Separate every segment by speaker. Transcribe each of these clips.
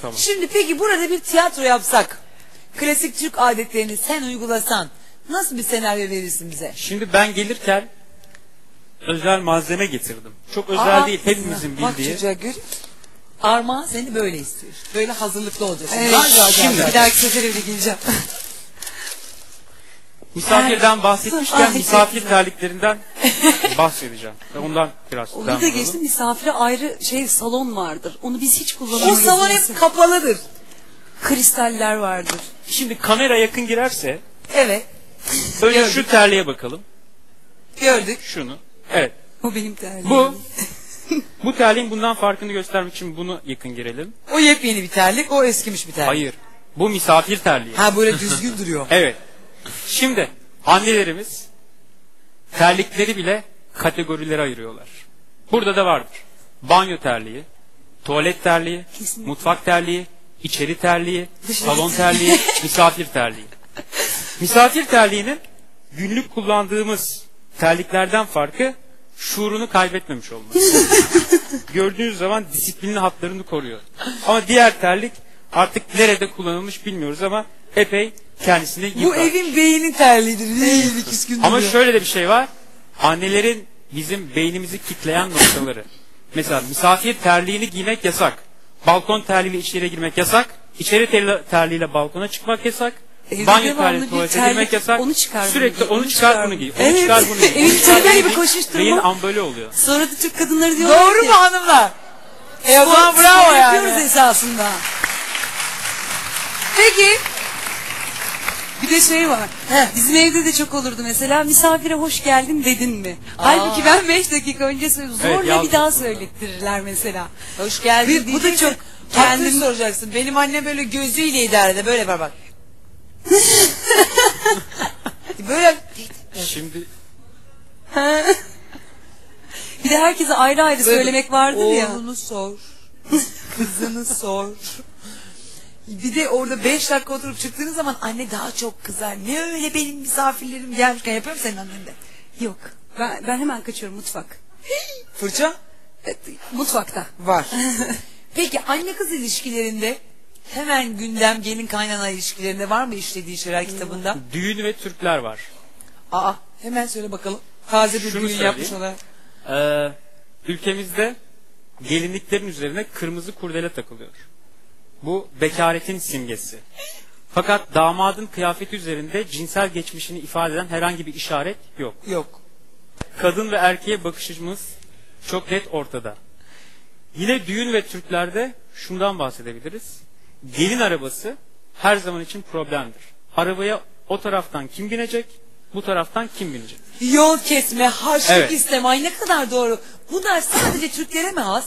Speaker 1: Tamam.
Speaker 2: Şimdi peki burada bir tiyatro yapsak, klasik Türk adetlerini sen uygulasan nasıl bir senaryo verirsin bize?
Speaker 1: Şimdi ben gelirken özel malzeme getirdim. Çok özel değil, hepimizin
Speaker 2: Bak
Speaker 1: bildiği.
Speaker 2: çocuğa gör. Armağan seni böyle istiyor. Böyle hazırlıklı olacaksın.
Speaker 3: Evet,
Speaker 1: şimdi
Speaker 3: bir dahaki sefere öyle geleceğim.
Speaker 1: Misafirden bahsetmişken
Speaker 3: Ay,
Speaker 1: misafir terliklerinden bahsedeceğim. Ve ondan biraz
Speaker 3: Onu
Speaker 1: devam
Speaker 3: da
Speaker 1: edelim.
Speaker 3: geçtim, misafire ayrı salon vardır. Onu biz hiç kullanmıyoruz.
Speaker 2: O salon hep kapalıdır.
Speaker 3: Kristaller vardır.
Speaker 1: Şimdi kamera yakın girerse
Speaker 2: Evet.
Speaker 1: önce
Speaker 2: Gördük.
Speaker 1: şu terliğe bakalım.
Speaker 2: Gördük.
Speaker 1: Şunu. Evet.
Speaker 3: O benim terliğim.
Speaker 1: Bu terliğin bundan farkını göstermek için bunu yakın girelim.
Speaker 2: O yepyeni bir terlik, o eskimiş bir terlik.
Speaker 1: Hayır. Bu misafir terliği.
Speaker 2: Ha böyle düzgün duruyor.
Speaker 1: Evet. Şimdi annelerimiz terlikleri bile kategorilere ayırıyorlar. Burada da vardır. Banyo terliği, tuvalet terliği,
Speaker 3: Kesinlikle.
Speaker 1: mutfak terliği, içeri terliği, salon terliği, misafir terliği. Misafir terliğinin günlük kullandığımız terliklerden farkı şuurunu kaybetmemiş olması. Gördüğünüz zaman disiplinli hatlarını koruyor. Ama diğer terlik artık nerede kullanılmış bilmiyoruz ama epey kendisini yıprar.
Speaker 2: Bu evin beyni terliğidir. Değil, ikisi gün
Speaker 1: Ama
Speaker 2: duruyor.
Speaker 1: şöyle de bir şey var. Annelerin bizim beynimizi kitleyen noktaları. Mesela misafir terliğini giymek yasak. Balkon terliğiyle içeri girmek yasak. İçeri terliğiyle balkona çıkmak yasak.
Speaker 3: Evde
Speaker 1: Banyo
Speaker 3: devamlı
Speaker 1: terliğiyle
Speaker 3: bir
Speaker 1: tuvalete
Speaker 3: terlik,
Speaker 1: girmek yasak.
Speaker 3: onu çıkar bunu
Speaker 1: Sürekli
Speaker 3: giy,
Speaker 1: onu
Speaker 3: onu
Speaker 1: çıkar
Speaker 3: çıkar
Speaker 1: bunu
Speaker 3: bunu.
Speaker 1: giy. Onu
Speaker 3: Evet.
Speaker 1: çıkar bunu giy.
Speaker 3: Evin
Speaker 1: Onu çıkar
Speaker 3: içeride
Speaker 1: bunu
Speaker 3: bir
Speaker 1: giy.
Speaker 3: koşuşturma.
Speaker 1: Beyin amböle oluyor.
Speaker 3: Sonra da Türk kadınları diyorlar
Speaker 2: Doğru
Speaker 3: ki,
Speaker 2: mu hanımlar? O zaman
Speaker 3: spor
Speaker 2: bravo
Speaker 3: yapıyoruz
Speaker 2: yani.
Speaker 3: esasında.
Speaker 2: Peki.
Speaker 3: Bir de şey var. Bizim evde de çok olurdu mesela. Misafire hoş geldin dedin mi? Halbuki ben 5 dakika önce söyledim. Zorla
Speaker 1: Evet,
Speaker 3: bir daha söylettirirler mesela.
Speaker 2: Hoş geldin.
Speaker 3: Bu da çok
Speaker 2: Kendin
Speaker 3: kendim
Speaker 2: soracaksın. Benim annem böyle gözüyle idare eder. Böyle var bak. Böyle
Speaker 1: Şimdi
Speaker 3: bir de herkese ayrı ayrı söylemek vardır ya.
Speaker 2: Oğlunu sor. Kızını sor. Bir de orada 5 dakika oturup çıktığınız zaman anne daha çok kızar. Ne öyle benim misafirlerim gelmişken yapıyor mu senin annen de?
Speaker 3: Yok. Ben hemen kaçıyorum mutfak.
Speaker 2: Fırça?
Speaker 3: Mutfakta.
Speaker 2: Var. Peki anne kız ilişkilerinde hemen gündem gelin kaynana ilişkilerinde var mı işlediği şeyler kitabında?
Speaker 1: düğün ve Türkler var.
Speaker 2: Aa hemen söyle bakalım. Taze bir
Speaker 1: Şunu
Speaker 2: düğün
Speaker 1: söyleyeyim.
Speaker 2: yapmış olarak.
Speaker 1: Ülkemizde gelinliklerin üzerine kırmızı kurdele takılıyor. Bu bekaretin simgesi. Fakat damadın kıyafeti üzerinde cinsel geçmişini ifade eden herhangi bir işaret yok.
Speaker 2: Yok.
Speaker 1: Kadın ve erkeğe bakışımız çok net ortada. Yine düğün ve Türklerde şundan bahsedebiliriz. Gelin arabası her zaman için problemdir. Arabaya o taraftan kim binecek, bu taraftan kim binecek?
Speaker 2: Yol kesme, harçlık
Speaker 1: Evet.
Speaker 2: isteme. Ay ne kadar doğru. Bunlar sadece Türklere mi has?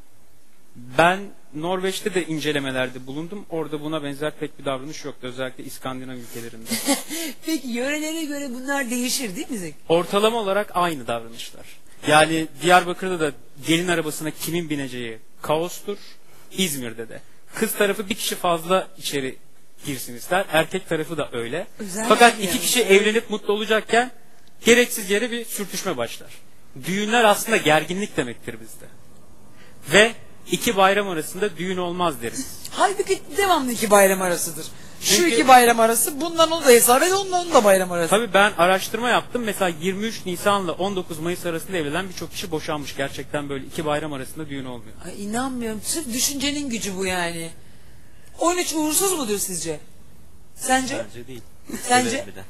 Speaker 1: Ben Norveç'te de incelemelerde bulundum. Orada buna benzer pek bir davranış yoktu. Özellikle İskandinav ülkelerinde.
Speaker 2: Peki yörelere göre bunlar değişir değil mi Zeki?
Speaker 1: Ortalama olarak aynı davranışlar. Yani Diyarbakır'da da gelin arabasına kimin bineceği kaostur. İzmir'de de. Kız tarafı bir kişi fazla içeri girsin ister. Erkek tarafı da öyle.
Speaker 3: Özel
Speaker 1: Fakat
Speaker 3: yani.
Speaker 1: iki kişi evlenip mutlu olacakken gereksiz yere bir sürtüşme başlar. Düğünler aslında gerginlik demektir bizde. Ve iki bayram arasında düğün olmaz deriz.
Speaker 2: Halbuki devamlı iki bayram arasıdır. Şu
Speaker 1: Çünkü-
Speaker 2: iki bayram arası bundan onu da hesap et ondan onu da bayram arası.
Speaker 1: Tabii ben araştırma yaptım. Mesela 23 Nisan'la 19 Mayıs arasında evlenen birçok kişi boşanmış. Gerçekten böyle iki bayram arasında düğün olmuyor.
Speaker 2: Ay inanmıyorum. Sırf düşüncenin gücü bu yani. 13 uğursuz mudur sizce? Sence?
Speaker 4: Bence değil.
Speaker 2: Sence?
Speaker 4: Severim bir de.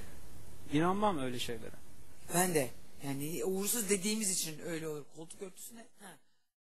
Speaker 1: İnanmam öyle şeylere.
Speaker 2: Ben de. Yani uğursuz dediğimiz için öyle olur. Koltuk örtüsüne. Ha.